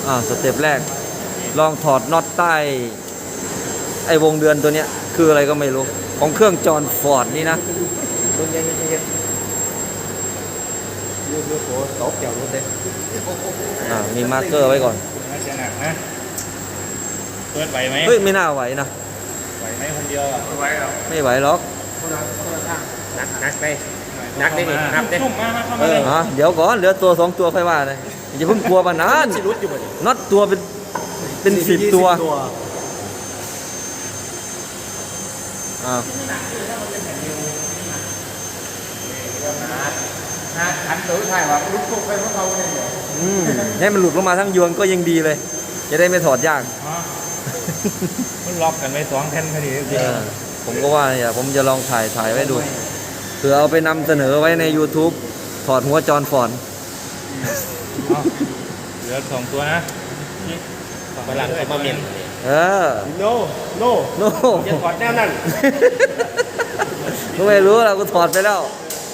สเต็ปแรกลองถอดน็อตใต้ไอ้วงเดือนตัวเนี้ยคืออะไรก็ไม่รู้ของเครื่องจอห์นฟอร์ดนี่นะมีมาร์กเกอร์ไว้ก่อนเปิดไหวไหมเฮ้ยไม่น่าไหวนะไหวไหมคนเดียวอ่ะไม่ไหวหรอกไม่ไหวหรอกนักไปนักได้ดินับได้เข้ามาเลยเดี๋ยวก่อนเหลือตัว2ตัวค่อยว่าเลยอย่าเพิ่งกลัวปานนั้นน็อตตัวเป็น10ตัวขันตัวถ่ายว่าลุกทุกไปเพราะเขาเนี่ยให้มันหลุดลงมาทั้งยวงก็ยังดีเลยจะได้ไม่ถอดยากมันล็อกกันไว้2แผ่นพอดีผมก็ว่าเนี่ยผมจะลองถ่ายไว้ดูเผื่อเอาไปนำเสนอไว้ใน YouTube ถอดหัวจอห์นฟอร์ดเหลือ2ตัวนะฝรั่งเขามาเมียน no จะถอดแนวนั้นกูไม่รู้แล้วกูถอดไปแล้ว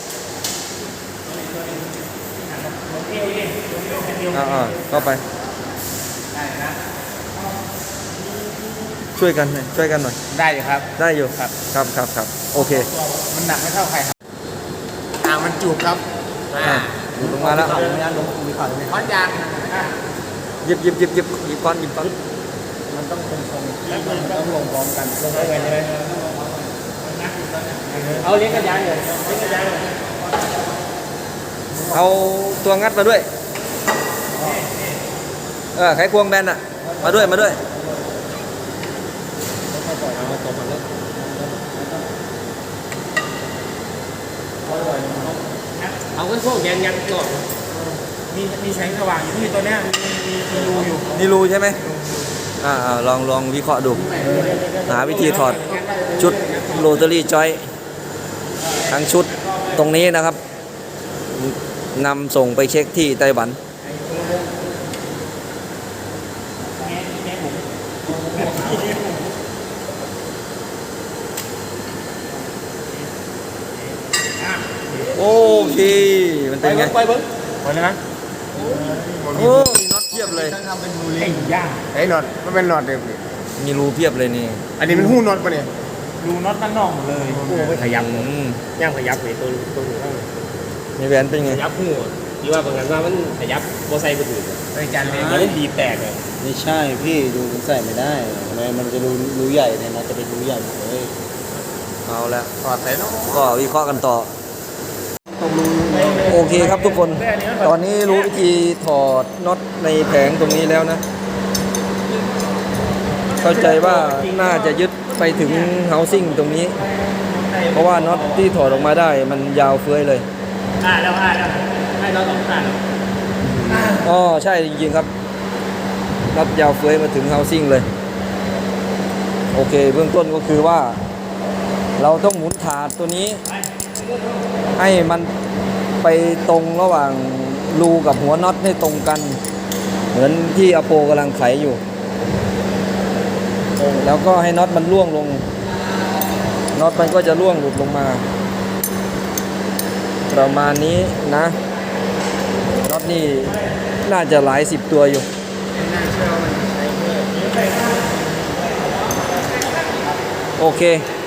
เข้าไปช่วยกันหน่อยได้อยู่ครับได้อยู่ครับโอเคมันหนักไม่เท่าใครครับมันจูบครับลงมาแล้วค้อนยางหยิบก้อนมันต้องคงต้องลงพร้อมกันลงพร้อมกันเลยเอาเลี้ยงกระยานเลยเอาตัวงัดมาด้วยไขควงแบนมาด้วยเอาขึ้นพวกยันก่อนมีแสงสว่างอยู่ที่ตัวเนี้ยมีรูอยู่นี่รูใช่ไหมลองวิเคราะห์ดูหาวิธีถอดชุดโรตารี่จอยทั้งชุดตรงนี้นะครับนำส่งไปเช็คที่ไต้หวันโอเคมันเป็นไงไปเลยนะโอ้มีน็อตเพียบเลยไอ้ย่าไอ้น็อตมันเป็นน็อตเดิมมีรูเพียบเลยนี่อันนี้มันหู้น็อตปะเนี่ยรูน็อตด้านนอกหมดเลยหู้ไม่ขยับย่างขยับเลยตัวหูมีแหวนเป็นไงขยับหู้ที่ว่าบางงานว่ามันขยับโบไซค์ไปถือจานเลยมันดีแตกเลยไม่ใช่พี่ดูมันใส่ไม่ได้มันจะรูใหญ่เนี่ยนะจะเป็นรูใหญ่เลยเอาแล้วถอดใส่เนาะก็วิเคราะห์กันต่อโอเคครับทุกคนตอนนี้รู้วิธีถอดน็อตในแผงตรงนี้แล้วนะเข้าใจว่าน่าจะยึดไปถึงเฮาซิ่งตรงนี้เพราะว่าน็อตที่ถอดออกมาได้มันยาวเฟ้ยเลยแล้วให้เราต้องการใช่จริงๆครับน็อตยาวเฟ้ยมาถึงเฮาซิ่งเลยโอเคเบื้องต้นก็คือว่าเราต้องหมุนถาดตัวนี้ให้มันไปตรงระหว่างรูกับหัวน็อตให้ตรงกันเหมือนที่อโปกำลังไขอยู่แล้วก็ให้น็อตมันร่วงลงน็อตมันก็จะร่วงหลุดลงมาประมาณนี้นะน็อตนี่น่าจะหลาย10ตัวอยู่โอเค